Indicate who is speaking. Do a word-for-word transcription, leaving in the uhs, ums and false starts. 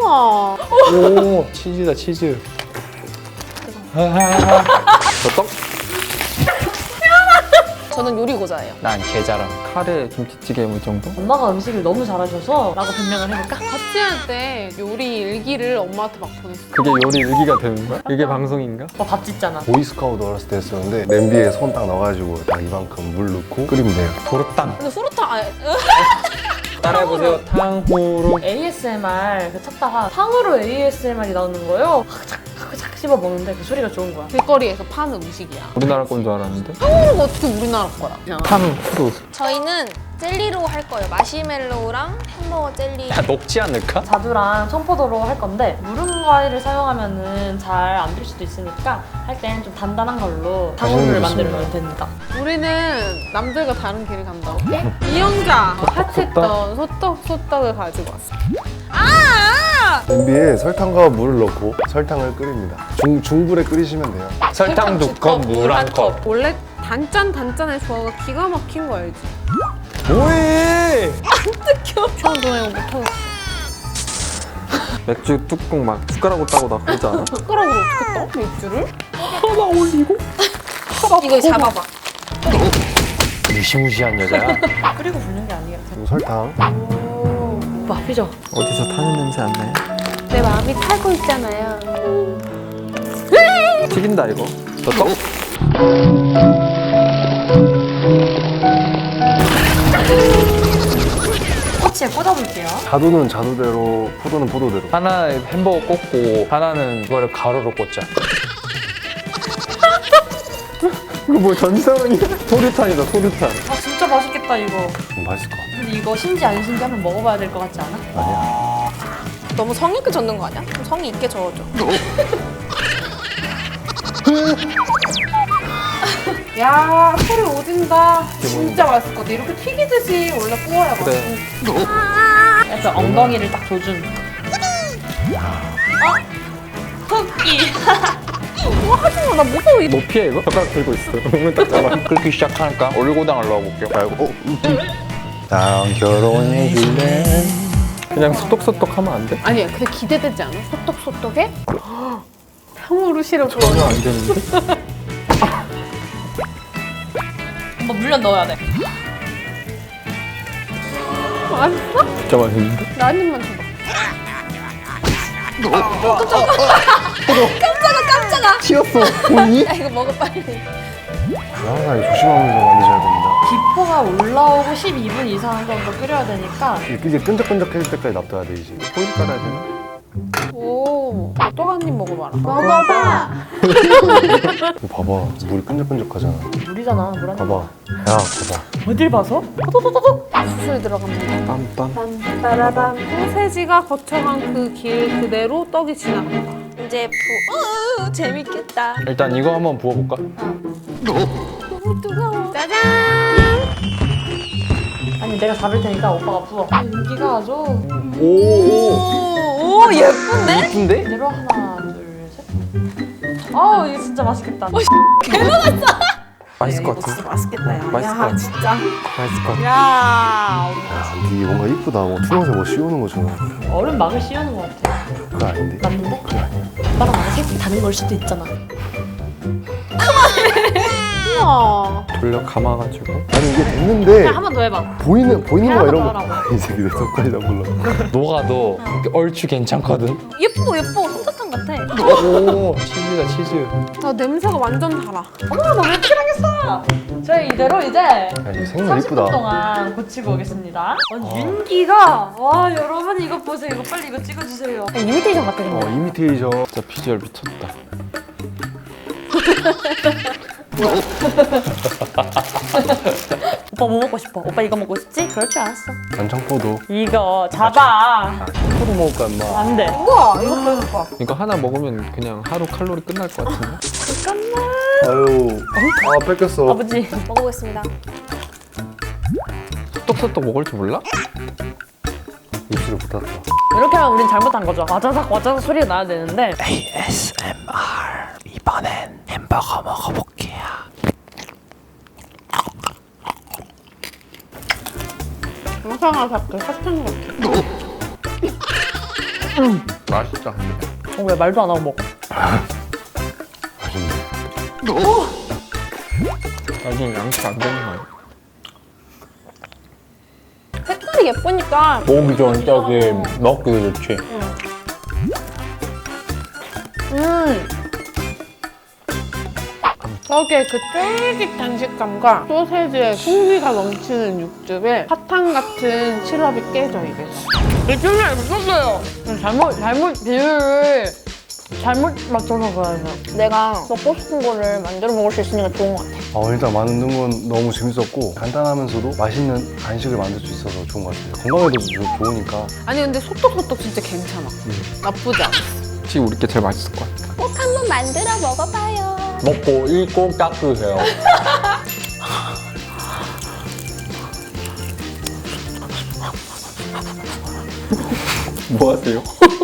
Speaker 1: 우와.
Speaker 2: 오, 치즈다, 치즈. 저 떡?
Speaker 1: 저는 요리고자예요.
Speaker 2: 난 게자랑 카레 김치찌개 뭐 정도?
Speaker 3: 엄마가 음식을 너무 잘하셔서 라고 변명을 해볼까?
Speaker 1: 같이 할 때 요리 일기를 엄마한테 막 보냈어.
Speaker 2: 그게 요리 일기가 되는 거야? 이게 방송인가?
Speaker 3: 오빠 밥 짓잖아.
Speaker 4: 보이스카우트 어렸을 때 했었는데 냄비에 손 딱 넣어가지고 딱 이만큼 물 넣고 끓이면 돼요.
Speaker 2: 도르땅.
Speaker 1: 근데 후루타 아,
Speaker 2: 따라해보세요. 탕후루.
Speaker 3: 에이에스엠알 그 찾다가 탕으로 에이에스엠알이 나오는 거예요. 착, 착 씹어 먹는데 그 소리가 좋은 거야.
Speaker 1: 길거리에서 파는 음식이야.
Speaker 2: 우리나라 건 줄 알았는데?
Speaker 1: 탕후루가 어떻게 우리나라 거야?
Speaker 2: 탕후루.
Speaker 5: 저희는 젤리로 할 거예요. 마시멜로우랑 햄버거 젤리.
Speaker 2: 야, 녹지 않을까?
Speaker 3: 자두랑 청포도로 할 건데 무른 과일을 사용하면은 잘 안 될 수도 있으니까 할 땐 좀 단단한 걸로 탕후루를 만들면 됩니다.
Speaker 1: 우리는 남들과 다른 길을 간다. 오케이? 이영자 파티했던 소떡 소떡을 가지고 왔어.
Speaker 4: 냄비에 설탕과 물을 넣고 설탕을 끓입니다. 중, 중불에 끓이시면 돼요.
Speaker 2: 설탕 두 컵, 물 한 컵.
Speaker 1: 원래 단짠 단짠의 조화가 기가 막힌 거 알지?
Speaker 2: 뭐해?
Speaker 1: 처음 전에 이거 못하겠어.
Speaker 2: 맥주 뚜껑 막 숟가락으로 따고 나 그러지 않아?
Speaker 1: 숟가락으로 어떻게 떠? 맥주를?
Speaker 2: 하나 올리고?
Speaker 5: 이거 잡아봐.
Speaker 2: 무시무시한 여자야?
Speaker 3: 끓이고 붓는 게 아니겠지.
Speaker 4: 그리고 설탕.
Speaker 3: 오빠 피죠?
Speaker 2: 어디서 타는 냄새 안 나요?
Speaker 1: 내 마음이 타고 있잖아요.
Speaker 2: 튀긴다 이거. 저 떡?
Speaker 3: 꼬치에 꽂아볼게요.
Speaker 4: 자두는 자두대로, 포도는 포도대로.
Speaker 2: 하나 햄버거 꽂고 하나는 이거를 가루로 꽂자. 이거 뭐 전상이야? 소류탄이다 소류탄.
Speaker 3: 아 진짜 맛있겠다 이거.
Speaker 4: 음, 맛있을 것 같아.
Speaker 3: 근데 이거 신지 안 신지 한번 먹어봐야 될 것 같지 않아?
Speaker 4: 아니야.
Speaker 5: 너무 성의 있게 젓는 거 아니야? 좀 성의 있게 저어줘.
Speaker 1: 야 소리 오진다. 진짜 맛있을 것 같아. 이렇게 튀기듯이 원래 구워야 맛있어.
Speaker 2: 그래.
Speaker 3: 약간 엉덩이를 딱 조준. 어? 토끼.
Speaker 1: 와 하지마 나 무서워. 이
Speaker 2: 뭐 피해 이거? 젓가락 들고 있어. 몸을 딱 잡아. 끓기 시작하니까 올리고당을 넣어볼게요.
Speaker 4: 말고, 어? 난 결혼해줄래.
Speaker 2: 그냥 소떡소떡 하면 안 돼?
Speaker 1: 아니야 근데 기대되지 않아? 소떡소떡에? 탕후루 시럽
Speaker 2: 전혀 안 되는데?
Speaker 3: 한번 물엿 넣어야 돼.
Speaker 1: 맛있어?
Speaker 2: 진짜 맛있는데?
Speaker 1: 나 한 입만 줘봐.
Speaker 5: 깜짝아.
Speaker 2: 튀었어. 보이니?
Speaker 5: 야 이거 먹어 빨리.
Speaker 4: 항상 조심하면서 만드셔야 됩니다.
Speaker 3: 기포가 올라오고 십이 분 이상 정도 끓여야 되니까
Speaker 4: 이게 끈적끈적해질 때까지 놔둬야 돼, 이제.
Speaker 2: 호일 깔아야 되나?
Speaker 1: 오, 또 한 입 먹어봐라. 먹어봐.
Speaker 4: 이거 봐봐. 물이 끈적끈적하잖아.
Speaker 3: 물이잖아 물 한.
Speaker 4: 봐봐. 야, 봐봐.
Speaker 3: 어딜 봐서? 토토토토토.
Speaker 1: 수술 들어갑니다.
Speaker 2: 빰빰.
Speaker 1: 빠라밤. 소세지가 거쳐간 그 길 그대로 떡이 지나간다.
Speaker 5: 이제 부. 어, 재밌겠다.
Speaker 2: 일단 이거 한번 부어볼까?
Speaker 5: 너무 뜨거워.
Speaker 1: 짜잔.
Speaker 3: 아니 내가 잡을 테니까 오빠가 부어. 윤기가 아주
Speaker 2: 오.
Speaker 5: 오, 오 예쁜데?
Speaker 2: 이쁜데?
Speaker 3: 이대로 하나 둘 셋. 아 이거 진짜 맛있겠다.
Speaker 2: 맛있을 것 같은데?
Speaker 1: 맛있겠다 야.
Speaker 2: 맛있을 것 같아.
Speaker 1: 진짜.
Speaker 2: 맛있을 것 같아.
Speaker 1: 야.
Speaker 4: 야, 근데 이게 뭔가 이쁘다. 뭐 투명새 뭐 씌우는 것처럼.
Speaker 3: 얼음 막을 씌우는 것 같아.
Speaker 4: 그거 아닌데?
Speaker 3: 맞는데?
Speaker 4: 그거 아니야.
Speaker 3: 오빠랑 나랑 색이 다른 걸 수도 있잖아.
Speaker 1: 우와.
Speaker 2: 돌려 감아가지고.
Speaker 4: 아니, 이게 됐는데.
Speaker 3: 한 번 더 해봐.
Speaker 4: 보이는, 보이는 거
Speaker 3: 하나
Speaker 4: 이런
Speaker 3: 더
Speaker 4: 거.
Speaker 3: 하라고.
Speaker 4: 이 새끼 내 손까지 다 몰라.
Speaker 2: 녹아도 얼추 괜찮거든?
Speaker 5: 예뻐 예뻐 솜사탕 같아.
Speaker 2: 오, 치즈다 치즈.
Speaker 1: 나 냄새가 완전 달아.
Speaker 3: 어머 나왜 이렇게 당했어? 저희 이대로 이제
Speaker 4: 야, 이거 생각
Speaker 3: 삼십 분
Speaker 4: 이쁘다.
Speaker 3: 동안 고치고 오겠습니다. 어, 윤기가 와 여러분 이거 보세요. 이거 빨리 이거 찍어주세요. 이미테이션 같아
Speaker 4: 어, 이미테이션.
Speaker 2: 진짜 비주얼 미쳤다.
Speaker 3: 오빠 뭐 먹고 싶어? 오빠 이거 먹고 싶지? 그럴 줄 알았어.
Speaker 4: 간장포도.
Speaker 3: 이거 잡아.
Speaker 2: 포도 먹을까 엄마?
Speaker 3: 안 돼.
Speaker 1: 우와 이거 배고파.
Speaker 2: 이거 하나 먹으면 그냥 하루 칼로리 끝날 것 같은데?
Speaker 4: 아유. 아, 뺏겼어.
Speaker 3: 아버지.
Speaker 5: 먹어보겠습니다.
Speaker 2: 소떡소떡 먹을 줄 몰라?
Speaker 4: 입술을 붙었다.
Speaker 3: 이렇게 하면 우린 잘못한 거죠. 와자삭 와자삭 소리가 나야 되는데.
Speaker 2: 에이에스엠알. 이번엔 햄버거 먹어볼게요.
Speaker 1: 영상아 자꾸 사탕 같아.
Speaker 2: 맛있다.
Speaker 3: 어, 왜 말도 안 하고 먹어?
Speaker 4: 맛있네.
Speaker 2: 나중에 양치 안 되는 거 아니야?
Speaker 1: 색깔이 예쁘니까
Speaker 2: 먹기 전 저기 먹기도 좋지.
Speaker 1: 음. 저게 그 쫄깃한 식감과 소세지의 풍미가 넘치는 육즙에 사탕 같은 시럽이 깨져 입에서. 느낌이 미쳤어요.
Speaker 3: 잘못, 잘못 비율을 잘못 맞춰서 그래서.
Speaker 5: 내가 먹고 싶은 거를 만들어 먹을 수 있으니까 좋은 것 같아.
Speaker 4: 어, 일단 만드는 건 너무 재밌었고 간단하면서도 맛있는 간식을 만들 수 있어서 좋은 것 같아요. 건강에도 좋- 좋으니까.
Speaker 1: 아니 근데 소떡소떡 진짜 괜찮아. 나쁘지 않아.
Speaker 2: 혹시 우리 게 제일 맛있을 것 같아.
Speaker 5: 꼭 한번 만들어 먹어봐요.
Speaker 2: 먹고 일 꼭 닦으세요. 뭐 하세요?